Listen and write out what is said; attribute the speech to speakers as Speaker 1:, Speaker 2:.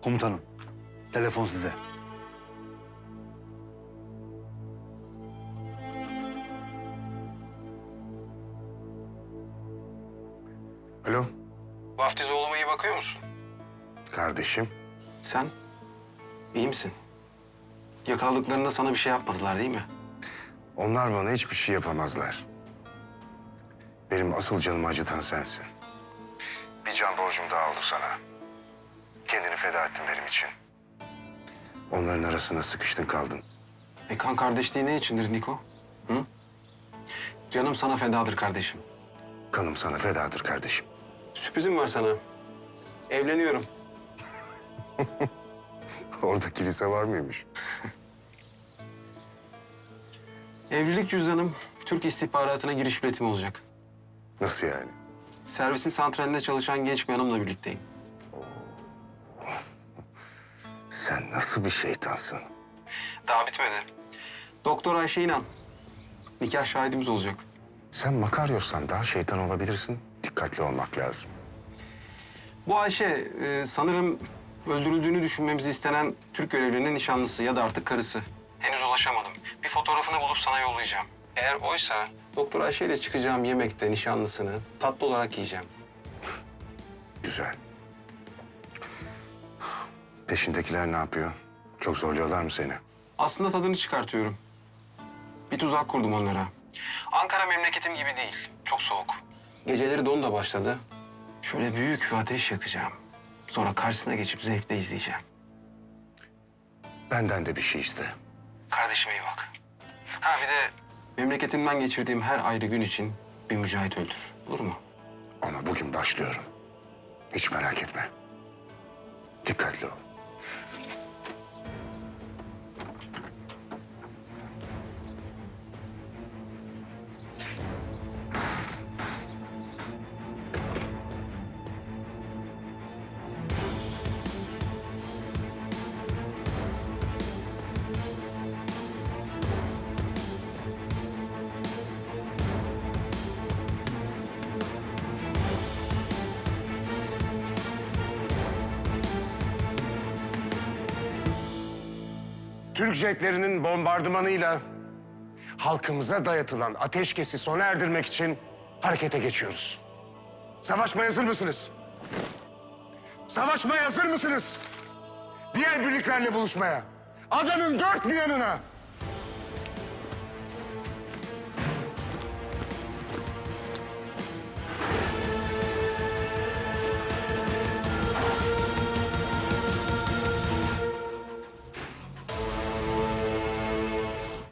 Speaker 1: Komutanım, telefon size.
Speaker 2: Alo,
Speaker 3: Vaftiz oğluma iyi bakıyor musun?
Speaker 2: kardeşim.
Speaker 3: Sen? İyi misin? Yakaladıklarında sana bir şey yapmadılar değil mi?
Speaker 2: Onlar bana hiçbir şey yapamazlar. Benim asıl canımı acıtan sensin. Bir can borcum daha oldu sana. Kendini feda ettin benim için. Onların arasına sıkıştın kaldın.
Speaker 3: Kan kardeşliği ne içindir Niko? Hı? Canım sana fedadır kardeşim.
Speaker 2: Kanım sana fedadır kardeşim.
Speaker 3: Sürprizim var sana. Evleniyorum.
Speaker 2: Orada kilise var mıymış?
Speaker 3: Evlilik cüzdanım Türk istihbaratına giriş biletim olacak.
Speaker 2: Nasıl yani?
Speaker 3: Servisin santralinde çalışan genç bir hanımla birlikteyim.
Speaker 2: Sen nasıl bir şeytansın?
Speaker 3: Daha bitmedi. Doktor Ayşe İnan. Nikah şahidimiz olacak.
Speaker 2: Sen Makaryos'tan daha şeytan olabilirsin. Dikkatli olmak lazım.
Speaker 3: Bu Ayşe sanırım öldürüldüğünü düşünmemizi istenen Türk görevlinin nişanlısı ya da artık karısı. Henüz ulaşamadım. Bir fotoğrafını bulup sana yollayacağım. Eğer oysa Doktor Ayşe ile çıkacağım yemekte nişanlısını tatlı olarak yiyeceğim.
Speaker 2: Güzel. Peşindekiler ne yapıyor? Çok zorluyorlar mı seni?
Speaker 3: Aslında tadını çıkartıyorum. Bir tuzak kurdum onlara. Ankara memleketim gibi değil. Çok soğuk. Geceleri don da başladı. Şöyle büyük bir ateş yakacağım. Sonra karşısına geçip zevkle izleyeceğim.
Speaker 2: Benden de bir şey iste.
Speaker 3: Kardeşime iyi bak. Ha bir de memleketimden geçirdiğim her ayrı gün için bir mücahit öldür. Olur mu?
Speaker 2: Ama bugün başlıyorum. Hiç merak etme. Dikkatli ol. Türk jetlerinin bombardımanıyla halkımıza dayatılan ateşkesi sona erdirmek için harekete geçiyoruz. Savaşmaya hazır mısınız? Savaşmaya hazır mısınız? Diğer birliklerle buluşmaya. Adanın dört bir yanına.